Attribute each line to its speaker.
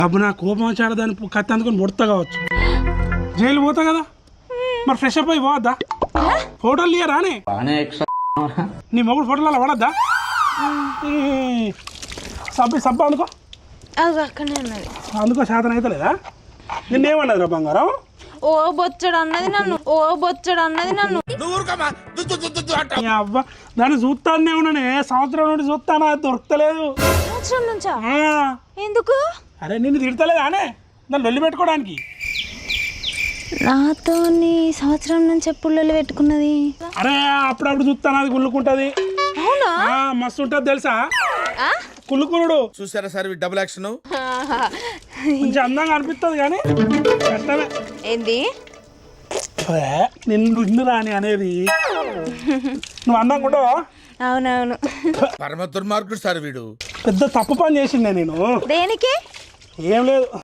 Speaker 1: అప్పుడు నా కోపం వచ్చాడు దాని కత్తి అందుకొని ముడతా కావచ్చు, జైలు పోతా కదా, మరి ఫ్రెష్ అప్ అయి పోవద్దా? ఫోటోలు తీయరా నీ మొగుడు ఫోటోలు అలా పడద్దా? సబ్బు అనుకో,
Speaker 2: అక్కడనే ఉన్నది
Speaker 1: అందుకో శాతం అయితే లేదా? నిన్నేమన్నది రా బంగారం?
Speaker 2: ఓ బొచ్చడు అన్నది నన్ను
Speaker 1: అబ్బా దాన్ని చూస్తానే ఉన్నానే, సంవత్సరం నుండి చూస్తానా, దొరకలేదు.
Speaker 2: సంవత్సరం నుంచా? ఎందుకు?
Speaker 1: అరే నిన్ను తిడతలేదా అనే దాన్ని లొల్లి పెట్టుకోవడానికి?
Speaker 2: నాతో సంవత్సరం నుంచి ఎప్పుడు లొల్లి పెట్టుకున్నది?
Speaker 1: అరే అప్పుడప్పుడు చూస్తాను, అది కుళ్ళుకుంటది.
Speaker 2: అవునా?
Speaker 1: మస్తు ఉంటది తెలుసా కుళ్ళుకునుడు.
Speaker 3: చూసారా సార్ డబుల్ యాక్షన్?
Speaker 1: కొంచెం అందంగా అనిపిస్తుంది కానీ కష్టమే.
Speaker 2: ఏంది
Speaker 1: నిన్ను రాని అనేది? నువ్వు అందంగా ఉండవా?
Speaker 2: అవునవును.
Speaker 3: పరమ దుర్మార్గుడు సార్ వీడు.
Speaker 1: పెద్ద తప్పు పని చేసిండే నేను.
Speaker 2: దేనికి?
Speaker 1: ఏం లేదు,